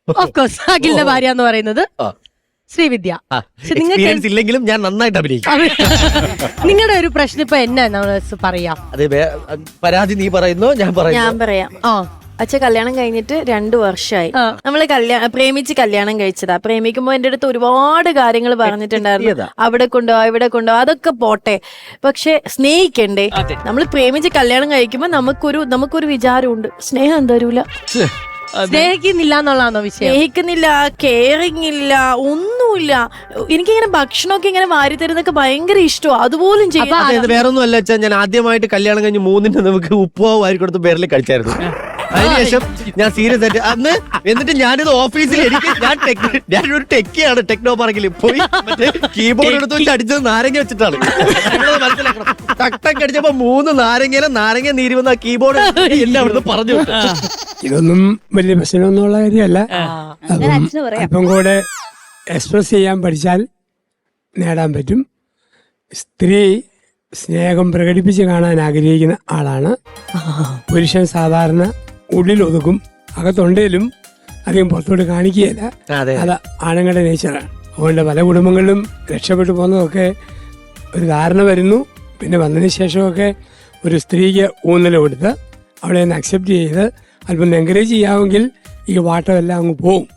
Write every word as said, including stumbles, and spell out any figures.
Of course അഖിലിന്റെ ഭാര്യ എന്ന് പറയുന്നത് ശ്രീവിദ്യ. എക്സ്പീരിയൻസ് ഇല്ലെങ്കിലും ഞാൻ നന്നായിട്ട് അഭിനയിക്കും. നിങ്ങളുടെ ഒരു പ്രശ്നം ഇപ്പൊ എന്നാ നമ്മള് പറയാം? അതെ, പരാതി നീ പറയുന്നു, ഞാൻ പറയാം. ഞാൻ പറയാം. ആ അച്ഛൻ കല്യാണം കഴിഞ്ഞിട്ട് രണ്ടു വർഷമായി. നമ്മള് കല്യാണം പ്രേമിച്ച് കല്യാണം കഴിച്ചതാ. പ്രേമിക്കുമ്പോ എന്റെ അടുത്ത് ഒരുപാട് കാര്യങ്ങൾ പറഞ്ഞിട്ടുണ്ടായിരുന്നു. അവിടെ കൊണ്ടോ ഇവിടെ കൊണ്ടോ അതൊക്കെ പോട്ടെ, പക്ഷെ സ്നേഹിക്കണ്ടേ? നമ്മൾ പ്രേമിച്ച് കല്യാണം കഴിക്കുമ്പോ നമുക്കൊരു നമുക്കൊരു വിചാരമുണ്ട്, സ്നേഹം തരൂല. സ്നേഹിക്കുന്നില്ല എന്നുള്ളതാണോ വിഷയം? സ്നേഹിക്കുന്നില്ല, കെയറിങ് ഇല്ല, ഒന്നുമില്ല. എനിക്കിങ്ങനെ ഭക്ഷണമൊക്കെ ഇങ്ങനെ വാരി തരുന്നൊക്കെ ഭയങ്കര ഇഷ്ടമാണ്. അതുപോലും ചെയ്യാം. വേറൊന്നും അല്ല വെച്ചാൽ, ഞാൻ ആദ്യമായിട്ട് കല്യാണം കഴിഞ്ഞ് മൂന്നിന്റെ നമുക്ക് ഉപ്പുവാവ് വാരി കൊടുത്ത് പേരിൽ കഴിച്ചായിരുന്നു. അതിനുശേഷം ഞാൻ സീരിയസ് ആയിട്ട് അന്ന്, എന്നിട്ട് ഞാനിത് ഓഫീസിൽ എനിക്ക് ഞാൻ ഞാനൊരു ടെക്കിയാണ്, ടെക്നോ പാർക്കിൽ പോയി മറ്റേ കീബോർഡ് എടുത്ത് വെച്ച് അടിച്ചത് നാരങ്ങ വെച്ചിട്ടാണ്. മനസ്സിലാക്കണം, ടക്ക് അടിച്ചപ്പോ മൂന്ന് നാരങ്ങയിലെ നാരങ്ങ നീര് വന്ന കീബോർഡ് എന്നെ അവിടുന്ന് പറഞ്ഞു. ഇതൊന്നും വലിയ പ്രശ്നമൊന്നുള്ള കാര്യമല്ല. അല്പം കൂടെ എക്സ്പ്രസ് ചെയ്യാൻ പഠിച്ചാൽ നേടാൻ പറ്റും. സ്ത്രീ സ്നേഹം പ്രകടിപ്പിച്ച് കാണാൻ ആഗ്രഹിക്കുന്ന ആളാണ്. പുരുഷൻ സാധാരണ ഉള്ളിൽ ഒതുക്കും, അകത്തൊണ്ടേലും അധികം പുറത്തോട്ട് കാണിക്കുകയില്ല. അത് ആണുങ്ങളുടെ നേച്ചറാണ്. അതുകൊണ്ട് പല കുടുംബങ്ങളിലും രക്ഷപ്പെട്ടു പോകുന്നതൊക്കെ ഒരു ധാരണ വരുന്നു. പിന്നെ വന്നതിന് ശേഷമൊക്കെ ഒരു സ്ത്രീക്ക് ഊന്നൽ കൊടുത്ത് അവളെ ഒന്ന് അക്സെപ്റ്റ് ചെയ്ത് അല്പം എൻകറേജ് ചെയ്യാമെങ്കിൽ ഈ വാട്ടമെല്ലാം അങ്ങ് പോവും.